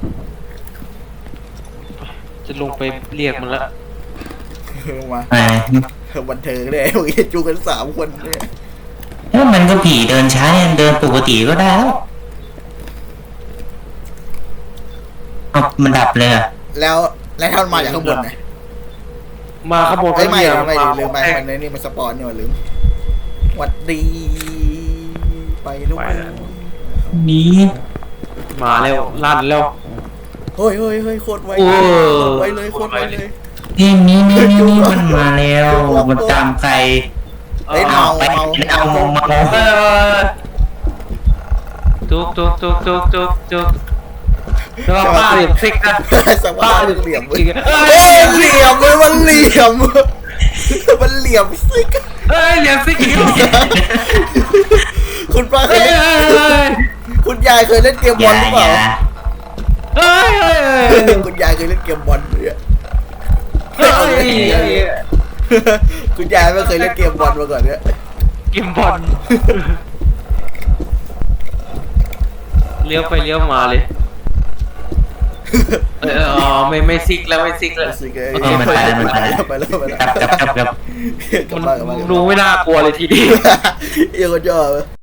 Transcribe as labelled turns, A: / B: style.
A: จะลงไปเรียกมันละ
B: มา
C: ไอ้
B: บันเทิงเลยโอ้ยจูกัน3 คนเนี่ย
C: แล้วมันก็ผีเดินช้าเนี่ยเดินปกติก็ได้แล้วเอามันดับเลยอะ
B: แล้วท่านมาจากข้างบนไง
A: มาขโมย
B: ไม่
A: เย
B: ไม่
A: มา
B: ลืมไปมันนี่มันสปอนนี่หว่าลืมหวัดดีไปลูก
C: หนี
A: มาแล้วลั่นแล้ว
B: เฮ้ยโคตรไว
A: โอ้
B: ไวเลยโคตรไวเลย
C: เพลงนี้มันมาแล้วมันตามใคร
B: เฮ้ยเมา
C: ไปเอาเมา
A: จุกแล้วป้าเหลี่ยมซิกนะ
B: สภาพเหลี่ยม
A: อีก
B: เฮ้ยเหลี่ยมเลยมันเหลี่ยมมันเหลี่ยมซิก
A: เฮ้ยเหลี่ยมซิกอีก
B: คุณป้าเคย
A: เฮ้ย
B: เล่นคุณยายเคยเล่นเกมบอลหรือเปล่า
A: เฮ้ย
B: คุณยายเคยเล่นเกมบอลเนี่ย
A: เฮ้ย
B: คุณยายไม่เคยเล่นเกมบอลมาก่อนเนี่ย
A: กิมบอลเลี้ยวไปเลี้ยวมาเลยอ๋อไม่ซิกแล้วไม่ซิกแล้ว
B: ซิก
C: มันไปแล้ว
B: ไปแล้ว
C: จับ
A: มันดูไม่น่ากลัวเลยทีเดียว
B: เอียงก็ย่อ